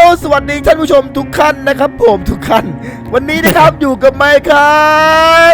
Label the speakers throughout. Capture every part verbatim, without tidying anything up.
Speaker 1: สวัสดีท่านผู้ชมทุกท่านนะครับผมทุกท่านวันนี้นะครับอยู่กับไมค์ครับ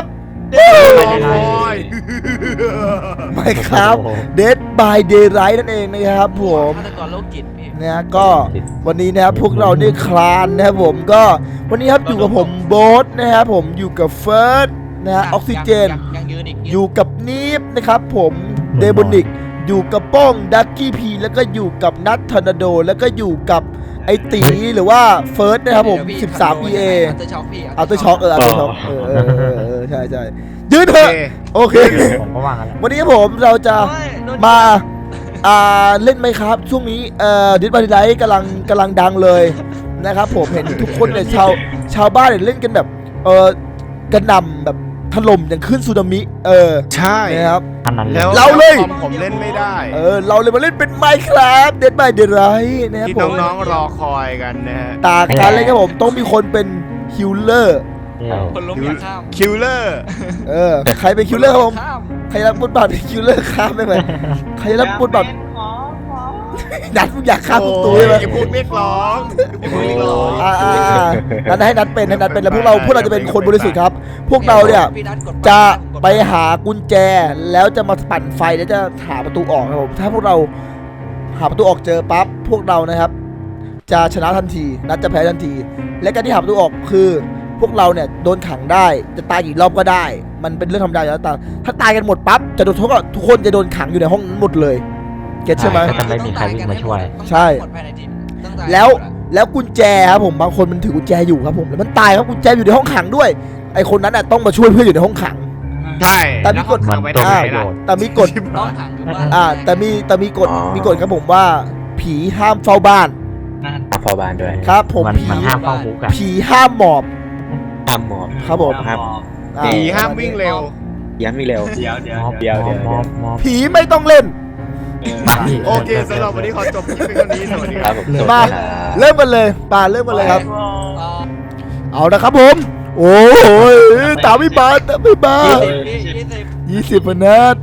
Speaker 1: ไมค์ครับ Dead by Daylight นั่นเองนะครับผมเนี่ยก็วันนี้นะครับพวกเราเนี่ยคลานนะครับผมก็วันนี้ครับอยู่กับผมโบ๊ทนะครับผมอยู่กับเฟิร์สนะฮะออกซิเจนอยู่กับนีฟนะครับผมเดบอนิกอยู่กับป้องดักกี้พีแล้วก็อยู่กับนัททอร์นาโดแล้วก็อยู่กับไอตีหรือว่าเฟิร์สนะครับผมสิบสาม อี เอ
Speaker 2: อัลเตอร์ช็อคพี่
Speaker 1: อัลเตอร์ช็อคเอออัลเตอร์ช็อคเออเออเออใช่ใช่ยืนเถอะโอเควันนี้ผมเราจะมาอ่าเล่นไหมครับช่วงนี้เอ่อดิสบันไลท์กำลังกำลังดังเลยนะครับผมเห็นทุกคนเนี่ยชาวชาวบ้านเนี่ยเล่นกันแบบเออกระหน่ำแบบถล่มอย่างขึ้นสึนามิเออ
Speaker 3: ใช่
Speaker 1: นะครับ
Speaker 3: แล้ว
Speaker 1: เราเลย
Speaker 3: ผมเล่นไม่ได้
Speaker 1: เออเราเลยมาเล่นเป็นไมค์ครับเดดบายเดดไรท์นะครับ
Speaker 3: ที่น้องๆรอคอยกันนะฮะ
Speaker 1: ตาการเล่นครับผมต้องมีคนเป็นคิลเลอร์
Speaker 2: คนล้มอย่าข้าม
Speaker 3: คิลเลอร์
Speaker 1: เออใครเป็นคิลเลอร์ครับผมใครรับบทบาทเป็นคิลเลอร์ข้ามได้ไหมใครรับบทบาทนัดอยากฆ่าทุกตัวเลย
Speaker 3: อย่าพูดเรียกร้องอย่าพูดเรียกร้อง
Speaker 1: อ่าอ่านัดให้นัดเป็นให้นัดเป็นแล้วพวกเราพวกเราจะเป็นคนบริสุทธิ์ครับพวกเราเนี่ยจะไปหากุญแจแล้วจะมาปั่นไฟแล้วจะหาประตูออกครับผมถ้าพวกเราหาประตูออกเจอปั๊บพวกเรานะครับจะชนะทันทีนัดจะแพ้ทันทีและการที่หาประตูออกคือพวกเราเนี่ยโดนขังได้จะตายกี่รอบก็ได้มันเป็นเรื่องธรรมดาอยู่แล้วแต่ถ้าตายกันหมดปั๊บจะโดนทุกคนทุกคนจะโดนขังอยู่ในห้องนั้นหมดเลยเก็ตใช่ไหม
Speaker 4: จะไม่มีใครวิ่งมาช่วย
Speaker 1: ใช่แล้วแล้วกุญแจครับผมบางคนมันถือกุญแจอยู่ครับผมแล้วมันตายครับกุญแจอยู่ในห้องขังด้วยไอคนนั้นน่ะต้องมาช่วยเพื่อนอยู่ในห้องขัง
Speaker 3: ใช่
Speaker 1: แต่มีกฎ
Speaker 3: มัน
Speaker 1: แต่มีกฎอ่าแต่มีแต่มีกฎมีกฎครับผมว่าผีห้ามเฝ้าบ้าน
Speaker 4: เฝ้าบ้านด้วย
Speaker 1: ครับผมผี
Speaker 4: ห้ามเฝ้าคุก
Speaker 1: ผีห้ามหมอบ
Speaker 4: ห้ามหมอบ
Speaker 1: ครับผม
Speaker 3: ผีห้ามวิ่งเร็ว
Speaker 4: ย้ำวิ่งเร็ว
Speaker 2: เดี๋ยวเดี๋ยว
Speaker 4: เดี๋ยวเดี๋ยว
Speaker 1: ผีไม่ต้องเล่น
Speaker 3: โอเคสำหรับวันนี้ขอจบคลิปเพียงเท่านี้สวัสดีครับ
Speaker 1: มาเริ่มกันเลยป่าเริ่มกันเลยครับเอาละครับผมโอ้ยตามไม่บาตามไม่บายี่สิบนัด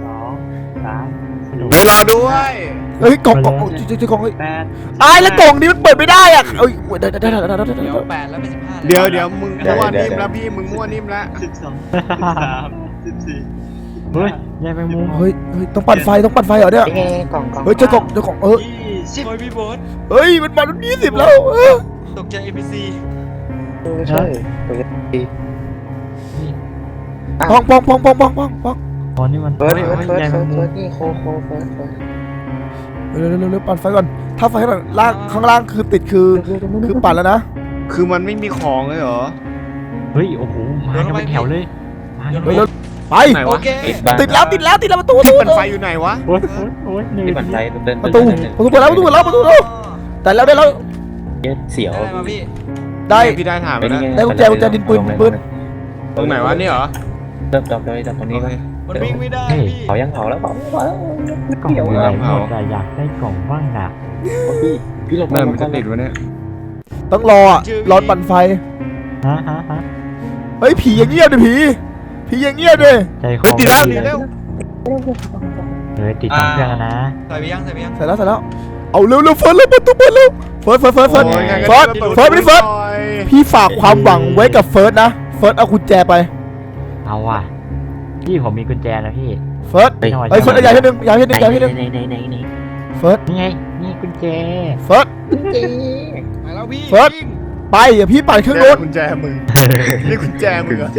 Speaker 3: ไปรอด้วย
Speaker 1: เฮ้ยกล่องกล่องจุ๊จุ๊กล่องเฮ้ยไอ้แล้วกล่องนี้มันเปิดไม่ได้อ่ะเอ้ยได้ได้ได้ได้ได้
Speaker 2: เดี๋ยวแปดแล้วเป็นสิบห้า
Speaker 3: เดี๋ยวเดี๋ยวมึงมั่วนิ่มแล้วพี่มึงมั่วนิ่มแล้ว
Speaker 2: สิบสองสิบสามสิบสี่
Speaker 4: เฮ้ยยายแมงมุม
Speaker 1: เฮ้ยเฮ้ยต้องปั่นไฟต้องปั่นไฟเหรอเนี่ยเฮ้ยเจ้ากล่องเจ้ากล่องเออ
Speaker 2: สิบพี่โบ๊ท
Speaker 1: เฮ้ยมันมาตั้งยี่สิบแล้ว
Speaker 2: ตกใจ เอ็ม พี ซี
Speaker 4: ใช่
Speaker 1: ปองปองปองปองปองปองปอง
Speaker 4: ตอนนี้มัน
Speaker 5: เฟิร์สเฟิร์สเฟิร์สเฟิร์สเฟิร์สนี่โคโคเฟิร์สเฟิร์ส
Speaker 1: เร็วเร็วเร็วปั่นไฟก่อนถ้าไฟข้างล่างข้างล่างคือติดคือคือปั่นแล้วนะ
Speaker 3: คือมันไม่มีของเลยเหรอ
Speaker 4: เฮ้ยโอ้โหมากันเป็นแถวเลย
Speaker 1: ไปเลยไปติดแล้วติดแล้วติดแล้วประตู
Speaker 3: ที่ปั่นไฟอยู่ไหนวะ
Speaker 4: โอ้ยโอ้ยนี่
Speaker 5: ปั่นไฟ
Speaker 1: ประตูประตูเปิดแล้วประตูเปิดแล้วประตูแล้วแต่แล้วได้แล้ว
Speaker 4: เสียว
Speaker 1: ได้
Speaker 3: พี่ได้ถามนะ
Speaker 1: ได้กุญแจกุญแจดินปืนปืน
Speaker 3: ตรงไหนวะนี่เหรอ
Speaker 5: เริ่มจับเลยจับตรงนี้เลย
Speaker 2: มันวิ่งไม่ได้พี่
Speaker 5: เผายังเผาแล้วเผาเผาแล้ว
Speaker 4: กล่องอยู่ไหนหมดแต่อยากได้กล่องบ้างอ่ะ
Speaker 5: พี่พี่หลบ
Speaker 3: เริ่มมันจะติดวะเนี่ย
Speaker 1: ต้องรออ่ะรอปั่นไฟ
Speaker 4: ฮะฮะฮะ
Speaker 1: เฮ้ยผีอย่างเงียบเลยผีผีอย่างเงียบเลย
Speaker 3: เฮ้ยติดแล้วติดแล้ว
Speaker 4: เฮ้ยติดตั้งเครื่องนะ
Speaker 2: ใส่ไปยังใส่ไปยัง
Speaker 1: ใส่แล้วใส่แล้วเอาเร็วเร็วเฟิร์สเร็วประตูเปิดเร็วเฟิร์สเฟิร์สเฟิร์สเฟิร์สเฟิร์สเฟิร์สไม่ได้เฟิร์สพี่ฝากความหวังไว้กับเฟิร์สนะเฟิร์สเอากุญแจไป
Speaker 4: เอาว่ะพี่ผมมีกุญแจนะพี่
Speaker 1: เฟิร์สเฮ้ยเฟิร์สใหญ่ที่หนึ่งใหญ่ที่หนึ่งใหญ่ที่หนึ่งเฟิร์ส
Speaker 4: นี่ไงนี่กุญแจ
Speaker 1: เฟิร์ส
Speaker 2: ไปแล้วพี่
Speaker 1: เฟิร์สไปอย่าพี่ปั่นเครื่องรถ
Speaker 3: กุญแจมึงนี่กุญแจมึงกุญแจ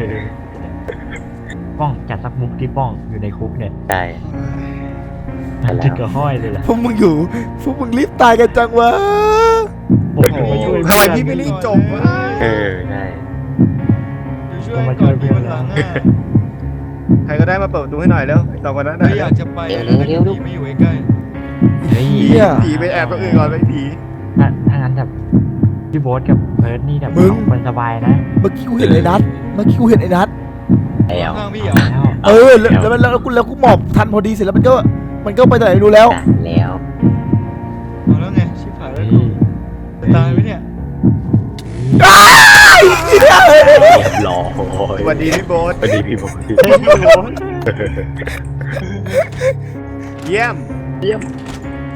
Speaker 4: ป้องจัดสักมุกที่ป้องอยู่ในคุกเนี่ย
Speaker 5: ใช่
Speaker 4: จิกกระห้อยเลยล่ะ
Speaker 1: พวกมึงอยู่พวกมึงรีบตายกันจังวะ
Speaker 3: โอ้โหทำไมพี่ไม่รีบจบวะ
Speaker 5: เออใช่
Speaker 2: ช่วยก่อนพี่มันหลังอ่ะ
Speaker 3: ใครก็ได้มาเปิดประตูให้หน่อยแล้วสองคนนั้น
Speaker 2: อยากจะไปแล้วผีไม่อยู่ใกล้
Speaker 3: ผีไปแอบตัวอื่นก่อนไปผี
Speaker 4: ถ้างั้นแบบพี่โบ๊ทกับเพิร์ดนี่แบบมันสบายนะ
Speaker 1: เมื่อกี้กูเห็นไอ้นัทเมื่อกี้กูเห็นไอ้นัท
Speaker 5: แล้ว
Speaker 1: เออแล้วมันแล้วกูแล้วกูหมอบทันพอดีเสร็จแล้วมันก็มันก็ไปไหนไม่รู้แล้ว
Speaker 5: แล้ว
Speaker 2: เอาแล้วไงชิบหายแล้วจะตายไหมเนี่ย
Speaker 5: รอ
Speaker 3: สวัสดีพี่โบ๊ท
Speaker 5: สวัสดีพี่โบ๊ท
Speaker 3: เยี่ยม
Speaker 5: เยี่ยม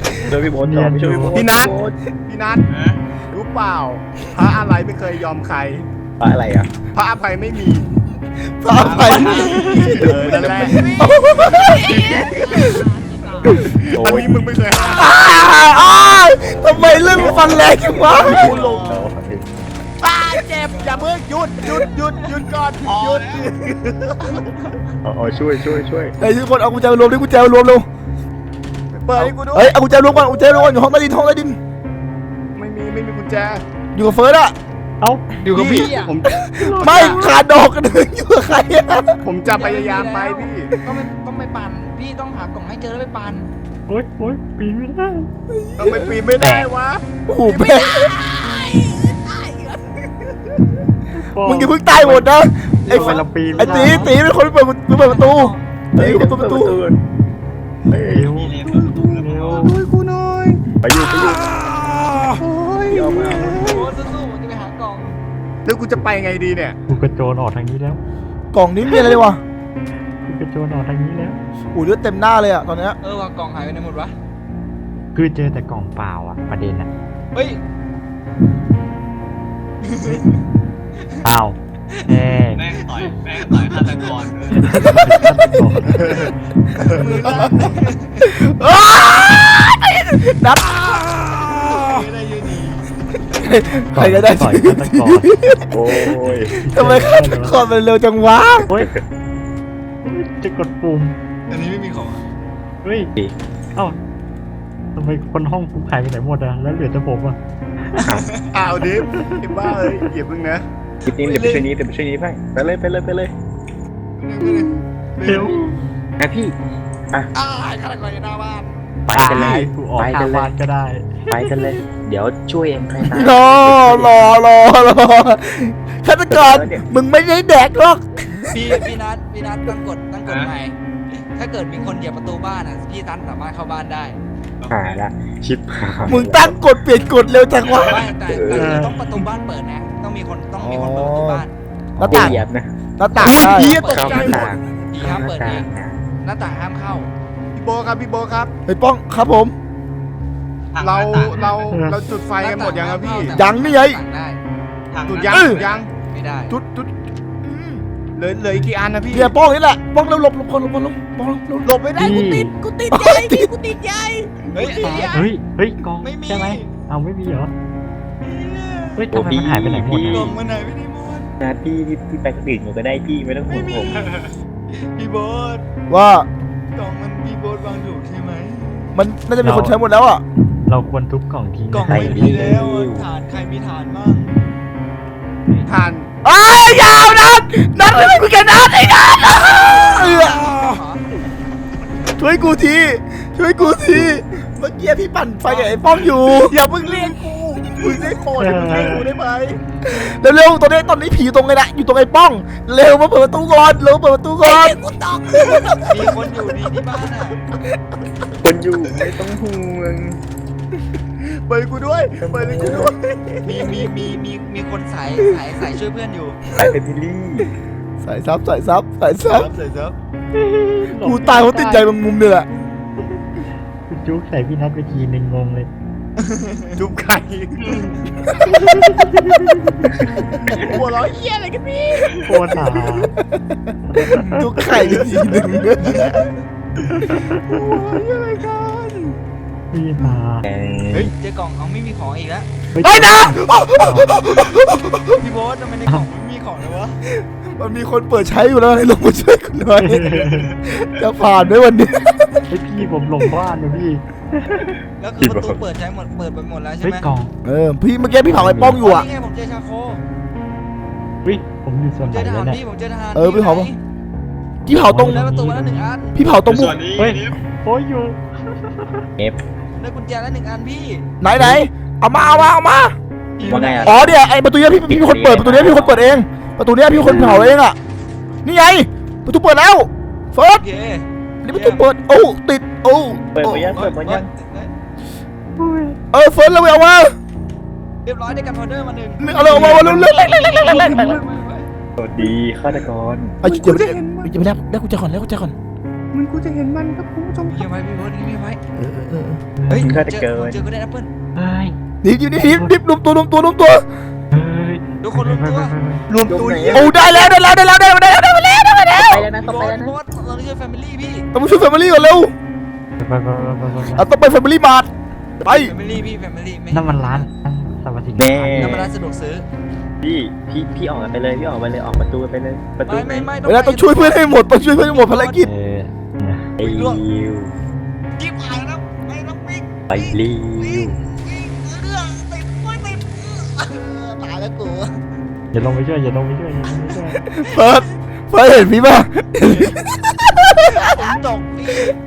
Speaker 5: ช่วยพี่โบ๊ทก่อนช่วยพี่โบ๊ท
Speaker 3: พี่นัทพี่นัทรู้เปล่าพระอะไรไม่เคยยอมใคร
Speaker 5: ปลาอะไรอ่ะ
Speaker 3: พระอภัยไม่มี
Speaker 1: พระอภัย
Speaker 3: เออนั่นแหละ
Speaker 5: โอ้
Speaker 3: อัน
Speaker 5: ย
Speaker 3: นี้มึงไม่เคยหา
Speaker 1: อ้าอ้าทำไมเรื่องมันฟันแรงจังวะ
Speaker 3: กูลงป้าเจ็บอย่าเพิ่งหยุดหยุดหยุดหยุดก่อนหยุด
Speaker 5: เอาเอาช่วยช่วยช่วย
Speaker 1: เฮ้ยทุกคนเอากุญแจมารวมดิกุญแจมารวมเร็ว
Speaker 3: เปิดให้กูด้วย
Speaker 1: เฮ้ยเอากุญแจรวมก่อนกุญแจรวมก่อนอยู่ห้องใต้ดินห้องใต้ดิน
Speaker 3: ไม่มีไม่มีกุญแจ
Speaker 1: อยู่กับเฟิร์สอะ
Speaker 4: เอ้า
Speaker 2: อยู่กับพี่อ่ะ
Speaker 3: ผม
Speaker 1: ไม่ขาดดอกกันเลยอยู่กับใครอะ
Speaker 3: ผมจะพยายามไปพี่
Speaker 2: ก็ไม่ต้องไปปั่นพี่ต้องหากล่องให้เจอแล้วไปปั่น
Speaker 4: โอ๊ยโอ๊ยปีนไม่ได้
Speaker 3: ทำไมปีนไม่ได้วะ
Speaker 1: โอ้โหแม่งมึงอย่าเพิ่งตายหมดนะไอ้
Speaker 4: ทำไมเราปีน
Speaker 1: ไอ้
Speaker 4: ไม่
Speaker 1: ตี
Speaker 4: ได้
Speaker 1: ตีเป็นคนเปิดเปิดประตูตีเป็นคนเปิดประตู
Speaker 5: เฮ้ย
Speaker 4: เร็วเร็ว
Speaker 3: ช่วยกูหน่อย
Speaker 5: ไปอยู่ไปอยู่
Speaker 3: โอ้ย
Speaker 5: ยอมเอา
Speaker 2: โอ้สู้ๆผมจะไปหากล่อง
Speaker 3: แล้วกูจะไปไงดีเนี่ย
Speaker 4: กูกระโจนออกทางนี้แล้ว
Speaker 1: กล่องนี้มีอะไรเลยวะ
Speaker 4: กูกระโจนออกทางนี้แล้ว
Speaker 1: โอ้ยเลือดเต็มหน้าเลยอะตอนเนี้ย
Speaker 2: เออว่ากล่องหายไปไหนหมดวะ
Speaker 4: คือเจอแต่กล่องเปล่าอ่ะประเด็นอ่ะ
Speaker 2: เฮ้ย
Speaker 4: อ้าวแม่ง
Speaker 6: แม่งต่อยแม่งต่อยฆาตกรด้วย
Speaker 1: อ้าวนับ
Speaker 2: ไม่ได้ยืนดี
Speaker 1: ใครก็ได้
Speaker 4: ต่อยฆาตกร
Speaker 5: โอ้ย
Speaker 1: ทำไมฆาตกรมันเร็วจังวะ
Speaker 4: โอ๊ยจะกดปุ่ม
Speaker 2: อันนี้ไม่มีของอะ
Speaker 4: เฮ้ยเอ้าทำไมคนห้องกูหายไปไหนหมดอะแล้วเหลือแต่ผมอะ
Speaker 3: อ้าวดิฟไอ้บ้าเอ้ยเหยียบมึงนะ
Speaker 5: คลิปนี้เดี๋ยวไปช่วยนี้เดี๋ยวไปช่วยนี้ไปไปเลยไปเลยไปเลย
Speaker 4: เร็ว
Speaker 5: นะพี่
Speaker 2: อ้าวฆาตกรอยู่หน้าบ้าน
Speaker 5: ไปกันเลย
Speaker 4: กูออก
Speaker 5: ไป
Speaker 4: ทา
Speaker 5: กั
Speaker 4: ง
Speaker 5: นเล
Speaker 4: บ้าย นก็ได้
Speaker 5: ไปกันเลย เดี๋ยวช่วยเองใครตาย
Speaker 1: รอรอรอรอฆาตกรมึงไม่ได้แดกหรอก
Speaker 2: พี่พี่นัทพี่นัทตั้งกฎตั้งกฎใหม่ถ้าเกิดมีคนเหยียบประตูบ้านอ่ะพี่นัทสามารถเข้าบ้านได้
Speaker 5: หายละชิปหาย
Speaker 1: มึงตั้งกฎเปลี่ยนกฎเร็วจังวะ
Speaker 2: ไม่แต่แต่คือต้องประตูบ้านเปิดนะต้องมีคนต้องมีคนเปิดประตูบ้าน
Speaker 1: หน้าต่าง
Speaker 5: เหยียบนะ
Speaker 1: หน้าต่างได้
Speaker 3: เหี้ยตก
Speaker 5: เข้า
Speaker 3: ใจ
Speaker 5: หน้า
Speaker 3: หมด
Speaker 5: ต่าง
Speaker 2: ผี
Speaker 5: เข้า
Speaker 2: ห้าม
Speaker 5: หน้า
Speaker 2: เปิด
Speaker 5: ต่า
Speaker 2: เอง ง
Speaker 5: นะ
Speaker 2: หน้าต่างห้ามเข้า
Speaker 3: พี่โบครับพี่โบครับ
Speaker 1: ไอ้ป้องครับผม
Speaker 3: เราเราเราจุดไฟกันหมดยังครับพี่
Speaker 1: ยังนี่ไง
Speaker 2: ต่างได้
Speaker 3: จุดยัง
Speaker 1: เออ
Speaker 3: จุดยัง
Speaker 2: ไม่ได้
Speaker 1: จุดจุดอืม
Speaker 3: เหลือเหลืออีกกี่อันนะพี่
Speaker 1: เนี่ยป้องนี่แหละป้องเร็วหลบหลบก่อนหลบก่อนหลบป้องหลบหลบ
Speaker 3: หลบไม่ได้กูติดกูติด
Speaker 1: โอ้
Speaker 3: ใหญ่
Speaker 1: ยติด
Speaker 3: กูติดใหญ่
Speaker 2: เฮ้ย
Speaker 4: เฮ้ย เฮ้ยกอง
Speaker 2: ไม่มี
Speaker 4: ใช่ไหมเอาไม่มีเหรอ เฮ้ยทำไมมันหายไปไหนหมด
Speaker 2: กล่
Speaker 4: อะ
Speaker 2: องมันไหนไม่ได้หมด
Speaker 5: นะพี่พี่พี่ไปคนอื่นหนูก็ได้พี่ไม่ต้องห่วงผม
Speaker 2: พี่โบ๊ท
Speaker 1: ว่า
Speaker 2: กล่องมันพี่โบ๊ทวางถูกใช่ไหม
Speaker 1: มันน่าจะมีคนใช้หมดแล้วอ่ะ
Speaker 4: เราควรทุบกล่องทิ้ง
Speaker 2: กล่อง
Speaker 4: ไป
Speaker 2: ไม่มีแล้วอะฐานใครมีฐานบ้าง
Speaker 3: ทาน
Speaker 1: ไอ้ยยาวนัดนัดไม่คุยกันนัดไอ้นัดเออช่วยกูทีช่วยกูทีเมื่อกี้พี่ปั่นไฟกับไอ้ป้องอยู่
Speaker 3: อย่าเพิ่งเรียกกูมึงได้โปรดอย่าเพิ่งเรียกกูได้ไหม
Speaker 1: เร็วๆตอนนี้ตอนนี้ผีอยู่ตรงไงนะอยู่ตรงไอ้ป้องเร็วมาเปิดประตูก่อนเร็วเปิดประตูก่อน
Speaker 2: มีคนอยู่ในที่บ้านอ่ะ
Speaker 5: คนอยู่ไม่ต้องห่วง
Speaker 3: เปิดกูด้วยเปิดกูด้วย
Speaker 2: มีมีมีมีมีคนสายสายสายช่วยเพื่อนอยู่
Speaker 5: ใส่เป็นบิลลี่
Speaker 1: ใส่ซับใส่ซับใส่ซับ
Speaker 2: ใส่ซับ
Speaker 1: กูตายเพราะติดใจบางมุมเนี่ยแหละ
Speaker 4: กูจุกใส่พี่นัทไปทีนึงงงเลย
Speaker 3: จุ๊บไข่หัวเราะเหี้ยอะไรกันพี่
Speaker 4: โคตรหา
Speaker 1: จุกไข่ไปทีหนึ่ง
Speaker 3: หัวเราะเหี้ยอะไรกัน
Speaker 4: พี่หา
Speaker 2: เฮ้ยเจอกล่องเอาไม่มีของอีกแล้ว
Speaker 1: ไอ้ยนะ
Speaker 2: พี่โบ๊ททำไมในกล่องไม่มีของเลยวะ
Speaker 1: มันมีคนเปิดใช้อยู่แล้วให้ลงมาช่วยกูหน่อยจะผ่านไหมวันนี้
Speaker 4: ไอพี่ผมหลงบ้านนะพี่
Speaker 2: แล้วคือประตูเปิดใช้หมดเปิดไปหมดแล้วใช่
Speaker 4: เฮ้ย
Speaker 2: ไหม
Speaker 4: กล่อง
Speaker 1: เออพี่เมื่อกี้พี่เผาไอ้ป้องอยู่อ่ะ
Speaker 2: นี่ไงผมเจอชาโค
Speaker 4: เฮ้ยผมอยู่ส่วน
Speaker 2: เจ
Speaker 4: ไหน
Speaker 2: อท
Speaker 4: แล้
Speaker 2: หาว ร
Speaker 4: เนี่ย
Speaker 2: พี่ผมเจอทหาร
Speaker 1: เออพี่เผา
Speaker 2: ไหน
Speaker 1: พี่เผาตรง
Speaker 2: ได้ประตูมาแล้วหนึ่งอัน
Speaker 1: พี่เผาตรงมุ
Speaker 6: ส่
Speaker 1: ม
Speaker 6: วนนี้
Speaker 4: เฮ้ย
Speaker 6: นี่
Speaker 4: โอ้ยอยู่
Speaker 5: เอฟ
Speaker 2: ได้กุญแจแล้วหนึ่งอันพี่
Speaker 1: ไหนไหนเอามาเอามาเอามา
Speaker 5: ว่าไงอ่ะ
Speaker 1: อ๋อเนี่ยไอ้ประตูเนี้ยพี่พี่เป็นคนเปิดประตูเนี้ยพี่เป็นคนเปิดเองประตูเนี้ยพี่เป็นคนเผาเองอ่ะนี่ไงประตูเปิดแล้วเฟิร์ส
Speaker 2: โอเค
Speaker 1: นี่ประตูเปิดโอ้ติดโอ้
Speaker 5: เปิดมายังเปิดมายัง
Speaker 1: เออเฟิร์สแล้วเอามา
Speaker 2: เรียบร้อยได้กันพอเดอร์มาหนึ่ง
Speaker 1: เอาเลยเอามาเอาเลยเร็วเร็วเร็วเร็วเร็วเร็วเร็ว
Speaker 5: สวัสดีฆาตกร
Speaker 1: ไอ้เดี๋ยวเดี๋ยวเดี๋ยวเดี๋ยวได้ได้กุญแจก่อนได้กุญแจก่อน
Speaker 3: มันกูจะเห็นมันครับคุณผู้ชม
Speaker 2: เงียบไว้พี่โบ๊ทเงียบไว้
Speaker 1: เออเออเออ
Speaker 2: เฮ้ย
Speaker 5: มันก็จะ
Speaker 2: เจอ
Speaker 5: เกิน
Speaker 2: เจอก็ได้แอปเปิ้ล
Speaker 4: เฮ้ย
Speaker 1: นิบนิบนิบนิบนิบรวมตัวรวมตัวรวมตัว
Speaker 4: เฮ้ย
Speaker 2: ทุกคนรวมตัว
Speaker 3: รวมตัวเยี่ย
Speaker 1: โอ้ได้แล้วได้แล้วได้แล้วได้แล้วได้แล้วได้แล้วได้แล้ว
Speaker 5: ไปแล้วนะ
Speaker 2: พี่
Speaker 5: ต้อง
Speaker 2: โบ๊
Speaker 5: ไป
Speaker 2: ท
Speaker 5: แล้ว
Speaker 2: พี่
Speaker 5: นะ
Speaker 2: โบ๊ทเราเรียกแฟมิลี่พี่
Speaker 1: ต้องมาช่วยแฟมิลี่ก่อนเร็ว
Speaker 4: ไปไปไปไปไป
Speaker 1: เอาต้องไปแฟมิลี่มาร์ทไป
Speaker 2: แฟมิลี่พี่แฟมิลี่ไม่
Speaker 4: นั่นมันร้านสวัสดิ
Speaker 5: แน่
Speaker 2: น้ำมันร้านสะดวกซื้อ
Speaker 5: พี่พี่พี่ออกไปเลยพี่ออกไปเลยออกประตูไปเลยประตู
Speaker 2: ไม่
Speaker 5: ไป
Speaker 2: ไม่ไม่
Speaker 1: เวลาต้องช่วยเพื่อนให้หมดต้องช่วยเพื่อนให้หมดภารกิจ
Speaker 4: เออ
Speaker 5: ไอ้ลิว
Speaker 2: จิ๊บหายแล้วไปน้องปิ๊ก
Speaker 5: ไปลิว
Speaker 2: วิ่งวิ่งเรื่องติดไม่ติดตายแล้วกู
Speaker 4: อย่าลงไปช่วยอย่าลงไปช่วยอย่าลงไปช่วย
Speaker 1: เฟิร์สเฟิร์สเห็นพี่ป่ะ
Speaker 2: ผมตกพี่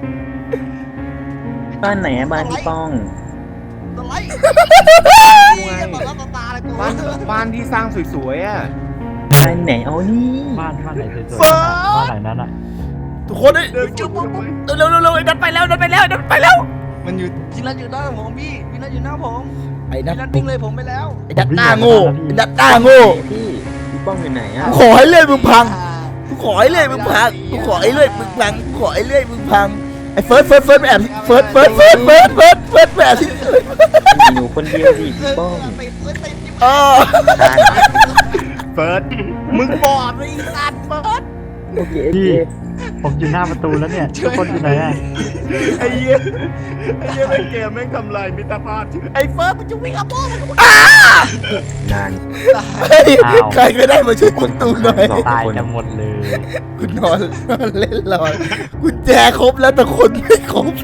Speaker 5: บ้านไหนอะบ้านพี่ป้อง
Speaker 2: สไลด์ต่อหน้าต่อตาเลยกู
Speaker 3: บ้านบ้านที่สร้างสวยๆอ่ะ
Speaker 5: บ้านไหนเอานี่
Speaker 4: บ้านบ้านไหนสวยๆบ้านหลังนั้นอ่ะ
Speaker 1: ทุกคนเอ้ย
Speaker 3: เดินจุ๊บปุ๊บปุ๊บ
Speaker 1: เร็วเร็วเร็วไอ้นัทไปแล้วนัทไปแล้วนัทไปแล้ว
Speaker 2: มันอยู่ที่นั่นอยู่หน้าผมพี่พี่นั่นอยู่หน้าผม
Speaker 1: ไอ้นัท
Speaker 2: พี่นั่นวิ่งเลยผมไปแล้ว
Speaker 1: ไอ้นัทหน้าโง่ไอ้นัทหน้าโง่
Speaker 5: พี่พี่ป้องอยู่ไหนอะ
Speaker 1: กูขอให้เลื่อยมึงพังกูขอให้เลื่อยมึงพังกูขอให้เลื่อยมึงพังกูขอให้เลื่อยมึงพังไอ้เฟิร์สเฟิร์สเฟิร์สไปแอบที่เฟิร์สเฟิร์สเฟิร์สเฟิร์สเฟิร์สเฟิร์สไปแอบที่
Speaker 5: หนูคนเดียวสิพี่ป้อง
Speaker 2: ติดเลยติดอยู่
Speaker 1: เออ
Speaker 5: ทาน
Speaker 3: เฟิร์สมึงบอดเลยไอ้สัตว์เฟิร์ส
Speaker 5: โอเคโอ
Speaker 4: พี่
Speaker 5: เค
Speaker 4: ผมอยู่หน้าประตูแล้วเนี่ยทุกคนอยู่ไหนอ่ะ
Speaker 3: ไอ้เหี้ยไอ้เหี้ยในเกมแม่งทำลายมิตรภาพไอ้เฟิร์สมันจะวิ่งอัพโป้มันจะวิ่ง
Speaker 5: นาน
Speaker 1: เฮ้ยใครก็ได้มาช่วยกูตูหน่อย
Speaker 4: ตายกันหมดเลย
Speaker 1: กูนอนนอนเล่นรอกุญแจครบแล้วแต่คนไม่ครบ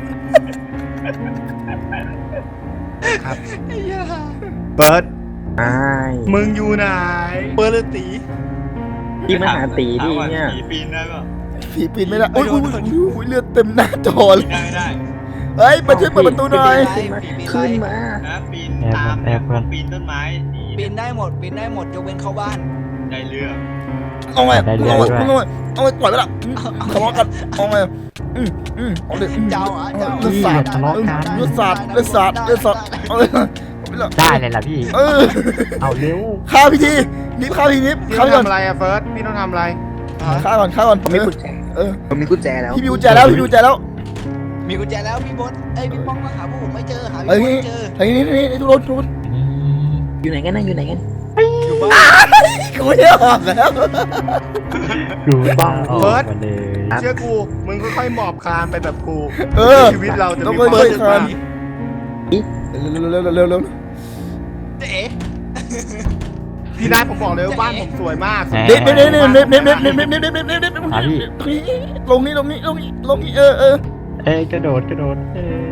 Speaker 2: ไอ้เหี้ย
Speaker 3: เฟิร์ส
Speaker 5: ไอ้
Speaker 3: มึงอยู่ไหนเฟิร์สเลยตี
Speaker 5: พี่มาหาตีดิเนี่ย
Speaker 6: ผีปีนได้ป่ะ
Speaker 1: ผีปีนไม่ได้อุ้ยอุ้ยอุ้ยเลือดเต็มหน้าจอเลย
Speaker 6: ได้ไม่ได้
Speaker 1: เฮ้ยมาช่วยเปิดประตูหน่อย
Speaker 5: ขึ้นมาขึ้นมา
Speaker 6: นะปีนตามปีนต้นไม้หนี
Speaker 2: ปีนได้หมดปีนได้หมดยกเว้นเข้าบ้าน
Speaker 6: ได้เรื่อง
Speaker 1: เอาไงเอาไงเอาไงเอาไงปล่อยไปละทะเลาะกันเอาไงอืมอืมเอาเลย
Speaker 2: เจ้าอ่ะเจ้า
Speaker 1: เลือดสาดเลือดสาดเลือดสาดเลือดสาดเอาเลยเอาไปละ
Speaker 4: ได้เลยล่ะพี่
Speaker 1: เออ
Speaker 4: เอาเร็ว
Speaker 1: ฆ่าพี่ทีนิบฆ่าพี่นิบ
Speaker 3: พี่
Speaker 1: ฆ่า
Speaker 3: ต้อง
Speaker 1: พี่ก่อน
Speaker 3: ทำอะไรอะเฟิร์สพี่ต้องทำอะไร
Speaker 1: ฆ่าก่อนฆ่าก่อน
Speaker 5: ผมมีกุญแจ
Speaker 1: เออ
Speaker 5: ผมมีกุญแจแล้ว
Speaker 1: พี่มีกุญแจแล้วพี่มีกุญแจแล้ว
Speaker 2: มีกุญแจแล้วพี่บดเอ้ยพี่ป้องมาหาพวกผมไม่เจอหา
Speaker 1: เฮ้ย
Speaker 2: พี่บด
Speaker 1: นี่
Speaker 2: ไม่เจอ
Speaker 1: เฮ้ยนี่นี่นี่ทุกคนทุกคน
Speaker 5: อยู่ไหนกันนะอยู่ไหนกัน
Speaker 2: อยู่บ้าน
Speaker 1: กูไม่ได้ออกแล้ว
Speaker 4: กูบ้าออกมาเลย
Speaker 3: เชื่อกูมึงค่อยๆหมอบคลานไปแบบกู
Speaker 1: เออ
Speaker 3: ชีวิตเราจะ
Speaker 1: ต้อง
Speaker 3: มี
Speaker 1: ค่
Speaker 3: ความ
Speaker 1: อย
Speaker 3: สุข
Speaker 1: ๆคลาน
Speaker 3: มาก
Speaker 1: เร็วเร็วเร็วเร็วเร็ว
Speaker 2: เจ๊
Speaker 3: พี่นัทผมบอกเลยว่าบ้านผมสวยมาก
Speaker 1: เน็บเน็บเน็บเน็บเน็บเน็บเน็บเน็บเน็บเน็บเน็บเน็บเน็บเน็บลงนี่ลงนี่ลงนี่ลงนี่เออเออ
Speaker 4: เอ้ยกระโดดกระโดดเอ้ย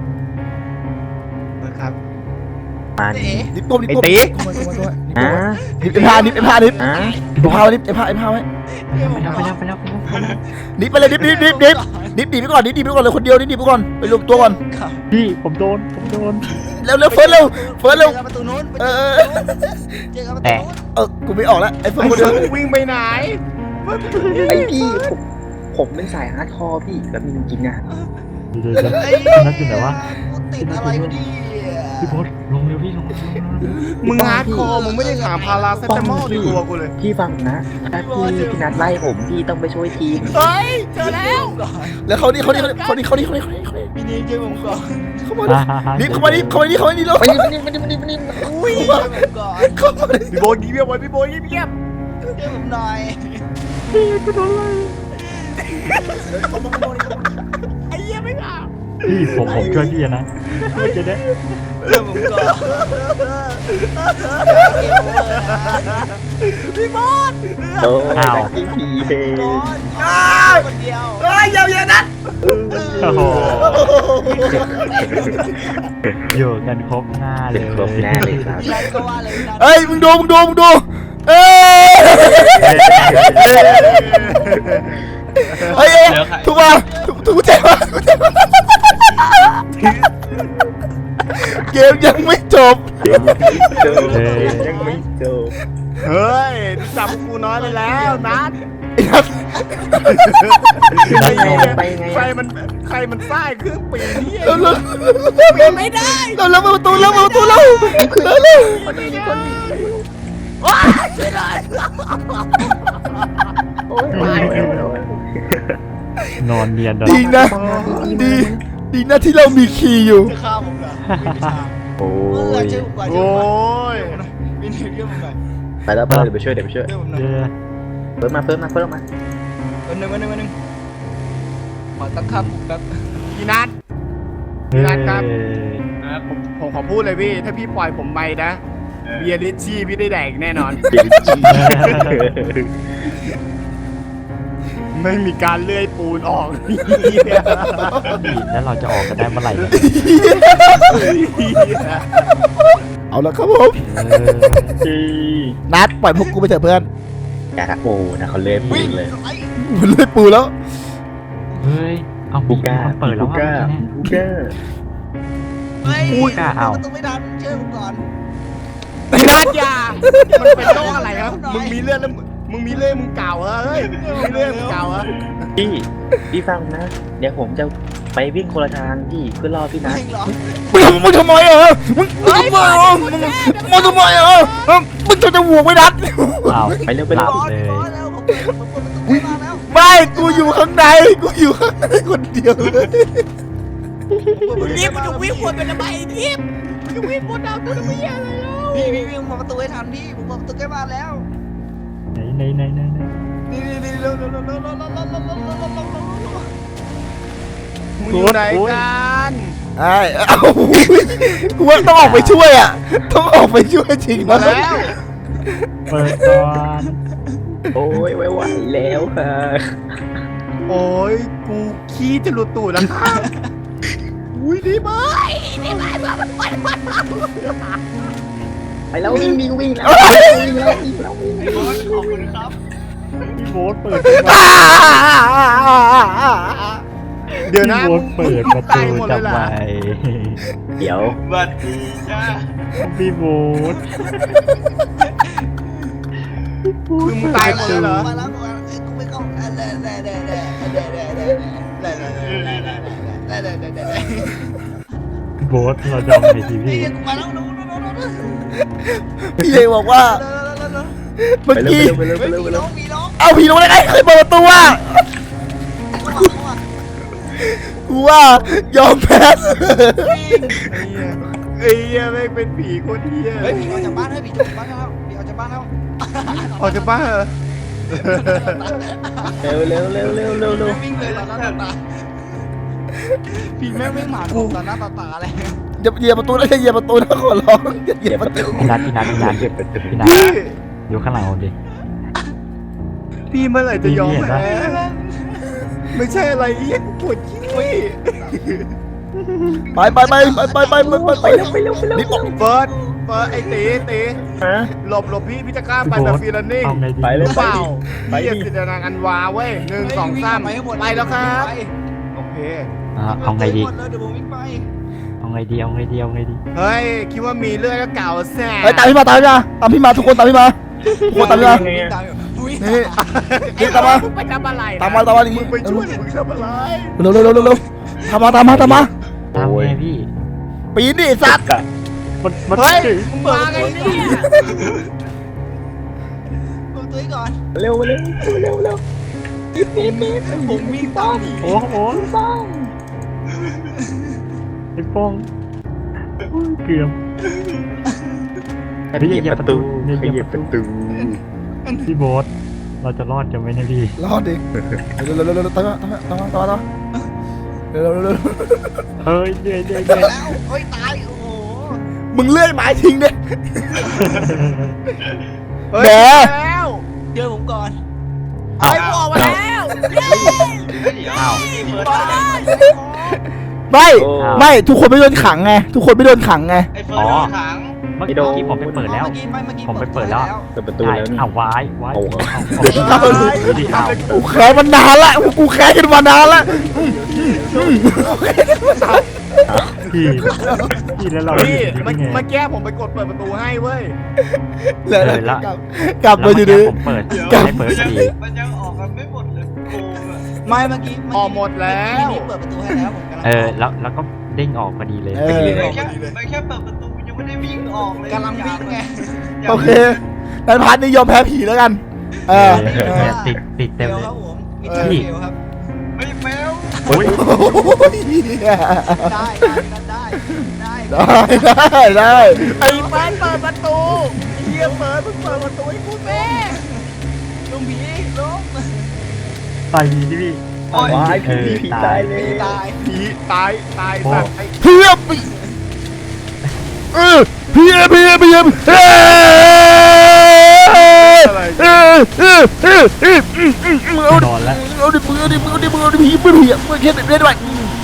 Speaker 3: นะครับ
Speaker 5: มา
Speaker 2: เจ๊
Speaker 1: นิบก้มนิบก้ม
Speaker 5: อ่ะ
Speaker 1: นิบไอ้ผ้านิบไอ้ผ้านิบ
Speaker 5: อ่ะ
Speaker 1: ไอ้ผ้านิบไอ้ผ้าไอ้ผ้าไว้
Speaker 4: ไปแล้วไปแล้วไปแล้วไปแล้วไปแล้ว
Speaker 1: นิบไปเลยนิบนิบนิบนิบนิบดีไปก่อนนิบดีไปก่อนเลยคนเดียวนิบดีไปก่อนไปรวมตัวก่อน
Speaker 4: พี่ผมโดนผมโดน
Speaker 1: เร็วเร็วเฟิร์สเร็วเฟิร์สเร็ว
Speaker 2: เจอกันประตูนู้น
Speaker 1: เออ
Speaker 2: เจอกันประตูนู้น
Speaker 1: เออกูไม่ออกแล้วไอ้เฟิร์
Speaker 3: ไอ้
Speaker 1: สคนเดียว
Speaker 3: เฟิร์สวิ่งไปไหน
Speaker 5: ไอพี่ผมผมเป็นสายฮาร์ดคอร์พี่แบบมีจริงๆอ่ะ
Speaker 4: เดี๋ยวเดี๋ยวเดี๋ยวนั่นอยู่ไหนวะ
Speaker 2: กูติดอะไรวะเนี่ย
Speaker 4: พี่พศลงเร็วพี่ลง
Speaker 3: มึงฮาร์ดคอร์มึงไม่ได้ถามพาราเซตามอลในตัวกูเลย
Speaker 5: พี่ฟังนะถ้าพี่พี่นัดไล่ผมพี่ต้องไปช่วยทีม
Speaker 3: เฮ้ยเจอแล้ว
Speaker 1: แล้วเขานี่เขานี่เขานี่เขานี่เขานี่เขานี่เขานี่
Speaker 2: พี่นี่เจอผมก่อน
Speaker 1: เข้ามานิบเข้ามานิบเข้ามานิบเข้ามานิบแล้ว
Speaker 5: ไปดิไปดิไปดิไปดิไปดิ
Speaker 2: อุ้ยเจอผมก่อน
Speaker 1: เข้ามา
Speaker 3: พี่โบยเงียบไว้พี่โบยเงียบ
Speaker 2: เจอผมหน่อย
Speaker 3: ไอ้เหี้ยไม่เอา
Speaker 4: พี่ผมผมช่วยพี่นะไม่จะได้
Speaker 2: เจอผมก่อน
Speaker 3: พี่บอส
Speaker 5: โอ้ยนักกี้พีเฮ
Speaker 2: ก่อนคนเดียว
Speaker 1: เฮ้ยอย่าอย่านัด
Speaker 4: โอ้โหอยู่กันครบหน้าเล
Speaker 5: เป็
Speaker 4: ย
Speaker 5: นครบแน่เลยครับ
Speaker 2: พี่นัทก็ว่าเลยพี่นัท
Speaker 1: เฮ้ยมึงดูมึงดูมึงดูเอ้ยเฮ้ยถูกป่ะถูกถูกใจป่ะถูกใจป่ะเกมยังไม่จบ
Speaker 5: เดี๋ยวยังไม่จบยังไม่จบ
Speaker 3: เฮ้ยจำกูน้อยไปแล้วนัด
Speaker 1: ไอ้นัท
Speaker 5: ไปไงไปไง
Speaker 3: ใครมันใครมันสร้างเครื่องปีนเนี่ย
Speaker 1: เร็วเร็วเร็วไม่ได้เร็วเร็วเปิดประตูเร็วเปิดประตูเร็วเร็วเร็ว
Speaker 3: ว้าช่วยหน่อย
Speaker 5: โอ้ยไปแล้ว
Speaker 4: นอนเนียน
Speaker 1: ดีนะดีดีนะที่เรามีคีย์อยู่
Speaker 3: จะฆ่าผมเหรอไม่ใช่
Speaker 5: โอ้
Speaker 2: เออย เชื่อผมก่อนเชื่อ
Speaker 3: โอ้
Speaker 2: ผมก่อน
Speaker 3: ย
Speaker 2: พี่นิวเชื่อผมหน่อย
Speaker 5: ไปแล้วเพื่อนเดี๋ยวไปช่วยเดี๋ยวไปช่วย
Speaker 2: เชื่อผมหน่อย
Speaker 4: เดี๋ยว
Speaker 5: เพิ่มมาเพิ่มมาเพิ่มมา
Speaker 2: วันหนึ่งวันหนึ่งวันหนึ่งขอตั้งคำแบบ
Speaker 3: พี่นัท
Speaker 4: เฮ้ย
Speaker 3: ครับ ผมผมขอพูดเลยพี่ ถ้าพี่ปล่อยผมไปนะ เบียร์ลิชชี่พี่ได้แดกแน่นอน ไม่มีการเลื่อยปูนออก
Speaker 4: แล้วเราจะออกกันได้เมื่อไหร่เนี่ย
Speaker 1: เอาละครับผม
Speaker 4: เออ
Speaker 1: นัดปล่อยพวกกูไปเถอะเพื่อน
Speaker 5: อยากโอ้นะเขาเล่นปืนเลย
Speaker 1: มันเลยปูแล้ว
Speaker 4: เฮ้ยเอา
Speaker 5: บูก้า
Speaker 4: เปิดแล้ว
Speaker 5: บู
Speaker 4: ว่า
Speaker 5: ก้า
Speaker 4: เมื่อกี้
Speaker 5: บู
Speaker 4: เนี่ย
Speaker 5: ก้า
Speaker 2: เฮ้ย
Speaker 4: อุ้ยกล้าเอา
Speaker 2: ประตูไม่ทันเชื่อผมก่อน
Speaker 3: พี่นัทอย่ามันเป็นโรคอะไรครับ มึงมีเลือดแล้วมึงมึงมีเลือดมึงเก่าเหรอเฮ้ยมึงมีเลือดมึงเก่าเหรอ
Speaker 5: พี่พี่ฟังนะ เดี๋ยวผมจะไปวิ่งคนละทางพี่เพื่อรอพี่นัท
Speaker 2: ไม่หรอ
Speaker 1: มึงมึงทำไมอ่ะมึงมึงทำไมอ่ะมึงมึงทำไมอ่ะมึงจะจะหวกไม่นัด
Speaker 4: อ้าว
Speaker 5: ไปเร็วไป
Speaker 4: ห
Speaker 5: เร็
Speaker 4: ลั
Speaker 5: ว
Speaker 4: บ
Speaker 2: ร้อน
Speaker 4: เลย
Speaker 2: ร้อนแล้วผมเปิดผมเปิดประตูไม่มาแล้ว
Speaker 1: ไม่กูอยู่ข้างในกูอยู่ข้างในคนเดียวเลย
Speaker 2: นี่มันจะวิ่งวนเป็นระบายทิพย์มันจะวิ่งวนดาวตัวไม่ยากเลยพี่พี่วิ่งมาประตูให้ทันพี่ผมเปิดประตูใกล้บ้านแล้ว
Speaker 4: ไหนไหนไหนไหนไหน
Speaker 2: นี่นี่นี่เร็วเร็วเร็วเร็วเร็วเร็วเร็วเร็วเร็วเร็วเร็วเร็วเร็ว
Speaker 3: มึงอยู่ไหนกัน
Speaker 1: ไอ้เอากูว่าต้องออกไปช่วยอ่ะต้องออกไปช่วยจริง
Speaker 3: มา
Speaker 1: นะ
Speaker 3: แล้ว
Speaker 4: เปิดก่อน
Speaker 5: โอ้ยไม่ไหวแล้วค่ะ
Speaker 3: โอ้ยกูขี้จะหลุดตูดแล้วครับอุ้ยดีมาก
Speaker 5: ไปแล้ววิ่งวิ่งวิ่งแล้ววิ่งแล้ววิ่งแล้ววิ่ง
Speaker 6: ไอ้บอสขอบคุณครับ
Speaker 4: พี่โบ๊ทเปิด
Speaker 3: เดี๋ยวนะ
Speaker 4: พี่โบ๊ทเปิดประตู
Speaker 3: ตายหมดเลย
Speaker 4: ทำ
Speaker 3: เหร
Speaker 4: ไม
Speaker 3: อ
Speaker 5: เดี๋ยว
Speaker 6: สวัสดีจ้า
Speaker 4: พี่โบ๊ท
Speaker 3: คือมึงตายหมดเลยเหรอ
Speaker 2: มาแล้วมาแล้วกูไม่เข้าแด่แด่แด่แด่แด่แด่แด่แด่แด่แด่แด่แด่แด่แด่แด่
Speaker 4: พี่โบ๊ทเราจองในที
Speaker 2: พี่
Speaker 4: วี
Speaker 2: กูมาแล้วนู้นนู้นนู้นนู้น
Speaker 1: พี่เอกบอกว่า
Speaker 5: ไป
Speaker 1: เมื่อ
Speaker 5: เร็ว
Speaker 1: กี้
Speaker 5: ไปเร็วไป
Speaker 2: เฮ้ย
Speaker 5: เร็วไป
Speaker 2: มี
Speaker 5: เร็
Speaker 2: น้
Speaker 5: ว
Speaker 2: องมีน้อง
Speaker 1: เอาผีลงได้ไงเคยเปิดประตูอ่ะ
Speaker 2: เข้ามาเข้ามา
Speaker 1: กูว่ายอมแพ้
Speaker 3: ไอ้เหี้ยแม่งเป็นผีคนเหี้ย
Speaker 2: เฮ้ยผีออกจากบ้านเฮ้ยผีออกจากบ้านแล้วผีออกจากบ้านแล้ว
Speaker 3: ออกจากบ้านเหรอ
Speaker 5: เร็วเร็วเร็วเร็วเร็วเร็ว
Speaker 2: วิ่งเลยต่อหน้าต่อตาผีแม่งวิ่งหมากูต่อหน้าต่อตาเลย
Speaker 1: อย่าเหยียบประตูนะอย่าเหยียบประตูนะขอร้องอย่าเหยียบประตู
Speaker 4: พี่นัทพี่นัทพี่นัท
Speaker 5: เก็บประตู
Speaker 4: พี่นัท
Speaker 3: พี่
Speaker 4: อยู่ข้างหลังผมดิ
Speaker 3: พี่เมื่อไหร่จะยอม
Speaker 4: พี่เห็นปะ
Speaker 3: แพ้ไม่ใช่อะไรเหี้ยกูปวดขี้
Speaker 1: ไปไปไปไปไปไปไปไปไป
Speaker 5: ไปเร็วไปเร็ว
Speaker 1: นี่บอก
Speaker 3: เฟิร์สเฟิร์สไอ้ตีตี
Speaker 5: ฮะ
Speaker 3: หลบหลบพี่พี่จะกล้าไปแบบฟรีแลนนิ่ง
Speaker 4: เอาไงดี
Speaker 5: ไปเลย
Speaker 3: เปล่า
Speaker 5: ไปดิ
Speaker 3: พี่จะจินตนาการวาเว้ยหนึ่งสองสามไปแล้วครับโอเค
Speaker 4: อ่ะเอาไงดี
Speaker 2: หมดเลยเดี๋ยวผมวิ่งไป
Speaker 4: เอาไงดีเอาไงดีเอาไงดี
Speaker 3: เฮ้ยคิดว่ามีเลือดก็เก่าแซ่
Speaker 1: เฮ้ยตามพี่มาตามพี่มาตามพี่มาทุกคนตามพี่มาทุกคนตามพี่มา
Speaker 2: วิ่งตามอยู่วิ่ง
Speaker 1: นี่นี่ตามมา
Speaker 3: มึงไปทำอะไรนะ
Speaker 1: ตามมาตามมาอย่าง
Speaker 3: มึ
Speaker 1: งี้
Speaker 3: งไปช่วยมึงทำอะไร
Speaker 1: เร็วเร็วเร็วเร็วเร็วตามมาตามมาตามมา
Speaker 4: ตามไงพี่
Speaker 1: ปีนดิสัตว์
Speaker 4: มันมัน
Speaker 3: เฮ้ยมึงมาไงเนี่ย
Speaker 2: เปิดประตูให้ก่อน
Speaker 5: เร็วเร็วเร็วเร็ว
Speaker 2: ผมวิ่งตามผี
Speaker 4: โอ้โหไอ้ป้องอุ้ยเกือบ
Speaker 5: ขยับประตูขยับประตู
Speaker 4: พี่โบ๊ทเราจะรอดกันไหมเนะพี่
Speaker 1: รอดดิเร็วเร็วเร็วเร็วตามมาตามมาตามมาตามมาเร็วเร็วเร็วเร็ว
Speaker 4: เฮ้ยเดี๋ยวเดี๋ยว
Speaker 2: ไป
Speaker 4: เดี๋ยว
Speaker 2: แล้วเฮ้ยตายโอ้โห
Speaker 1: มึงเลื่อยไม้ทิ้งดิ
Speaker 3: เฮ้ย
Speaker 1: แหม
Speaker 3: แล้ว
Speaker 2: เจอผมก่อน
Speaker 4: อ้าว
Speaker 3: ไอ้บอกมาแล้ว
Speaker 6: เดี๋ยว
Speaker 4: อ้าว
Speaker 6: เฟิร์ส
Speaker 1: ไม่ไม่ทุกคนไม่โดนขังไงทุกคนไม่โดนขังไง
Speaker 6: ไอ้เฟิร์สโดนขัง
Speaker 4: เมื่อกี้ผมไปเปิดแล้ว
Speaker 2: เมื่อกี้ไม่เมื่อกี้
Speaker 4: ผมไปเปิดแล้ว
Speaker 5: เปิดประตู
Speaker 4: ใช่
Speaker 5: แล้วนี่
Speaker 4: เอาวายวาย
Speaker 5: โอ้
Speaker 4: เอา
Speaker 5: โห
Speaker 4: เอาเอาเอาดิเอา
Speaker 1: กูแค้นมันนานละกูแค้นกันมานานละ
Speaker 4: พี่พี่แล้วเรา
Speaker 3: พี่
Speaker 4: อยู่
Speaker 3: เมื่อ
Speaker 4: ได้ไง
Speaker 3: เมื่อกี้ผมไปกดเปิดประตูให้เว้ย
Speaker 1: แล้ว
Speaker 4: เออละ
Speaker 1: กลับกลับ
Speaker 4: แล้ว
Speaker 1: มา
Speaker 4: เมื่
Speaker 1: อ
Speaker 4: อยู่
Speaker 1: ดี
Speaker 4: กี้ผมเปิด
Speaker 6: เดี๋ยว
Speaker 4: ให้เปิด
Speaker 6: มันยัง
Speaker 4: ดี
Speaker 6: มันยังออกกันไม่หมดเลยโกงอะ
Speaker 2: ไม่เมื่อกี้
Speaker 3: ออกหมดแล้ว
Speaker 2: นี่เปิดประตูให้แล้วผมกำลัง
Speaker 4: เออแล้วแล้วก็เด้งออกพอดีเลย
Speaker 1: เออ
Speaker 6: ไม่แค่ไม่แค่เปิดประตูยังไม่ได้วิ่งออกเลย
Speaker 2: กำลังวิ่งไง
Speaker 1: โอเคนันพัดนี่ยอมแพ้ผีแล้วกันเออ
Speaker 4: เออ
Speaker 1: เออ
Speaker 4: ติดติด
Speaker 2: เฟ
Speaker 4: เต็ม
Speaker 2: ล
Speaker 4: เลย
Speaker 2: ครับผมมี
Speaker 3: เอ
Speaker 2: เท
Speaker 3: อ
Speaker 2: เฟลครับ
Speaker 6: ไม่
Speaker 2: ได้ได้ได้
Speaker 1: ได้ได้ได้
Speaker 3: ไอ้เฟิร์สเปิดประตูเฮียเฟิร์สมึงเปิดประตูให้กูแม่
Speaker 2: ลุงผีลุง
Speaker 4: ต่อยดีดิพี่
Speaker 6: โอ้ย
Speaker 5: ว้ายผีผีตายเลย
Speaker 2: ตาย
Speaker 3: ผีตายตายสัตว์ไอ้
Speaker 1: เพียบเออเพียบเพียบเพียบเออเออเออเออเออเอา
Speaker 4: นอนแล้ว
Speaker 1: เอาดิมือดิมือดิมือดิผีมือผีมือแค่เล่นด้วย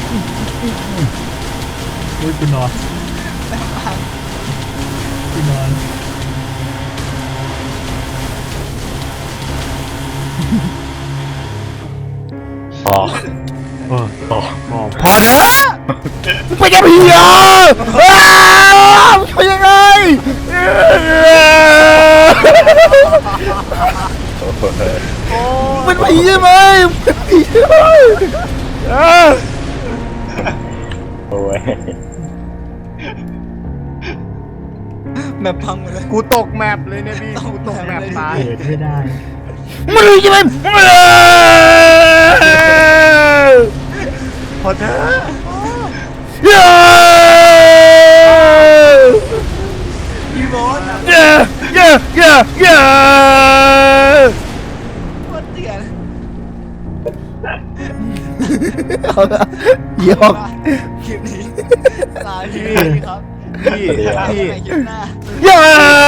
Speaker 4: อุ้ยกูนอนกูนอน
Speaker 5: อ๋อ
Speaker 4: เออต่อพอ
Speaker 1: พอเถอะมึงไปยังผีเหรอมึงไปยังไงเป็นผีใช่ไหมเป็นผีใช่ไหม
Speaker 5: โอ้ย
Speaker 2: แมปพังหมดเลย
Speaker 3: กูตกแมปเลยเนี่ยพี่กูตกแมปตาย
Speaker 4: เกิดไม่ได้
Speaker 1: มึงใช่ไหม
Speaker 3: พอเถอะ
Speaker 2: พี่บอส
Speaker 1: เย้เย้เย้เย้
Speaker 2: โคตรเถื่อน
Speaker 1: เอาละยอก
Speaker 2: คลิปนี้ลาพี่ครับ
Speaker 3: พี่
Speaker 2: พี่
Speaker 3: พี่
Speaker 2: คลิปหน้า
Speaker 1: เย้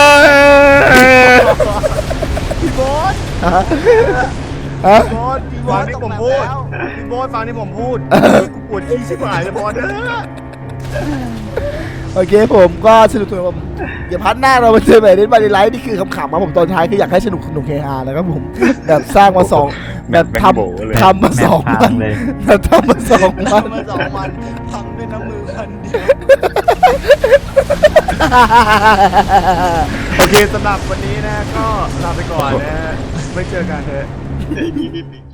Speaker 3: พี่โบ๊ท
Speaker 1: ฮะฮะ
Speaker 3: พี่โบ๊ทพี่ฟังที่ผมพูดพี่โบ๊ทฟังที่ผมพูดกูปวดขี้ชิบหายเลยพอเถอะ
Speaker 1: โอเคผมก็สนุกสนุกผมเดี๋ยวพัดหน้าเรามาเจอแบบนี้มาในไลฟ์นี่คือขำๆมาผมตอนท้ายคืออยากให้สนุกสนุกเฮฮานะครับผมแบบสร้างมาสองแบบทำทำมาสองวัน
Speaker 4: เลย
Speaker 1: แบบทำมาสองวัน
Speaker 2: ทำมาสองวันพังด้วยน้ำมือคนเดียว
Speaker 3: โอเคสำหรับวันนี้นะก็ลาไปก่อนนะไม่เจอกันเถอะ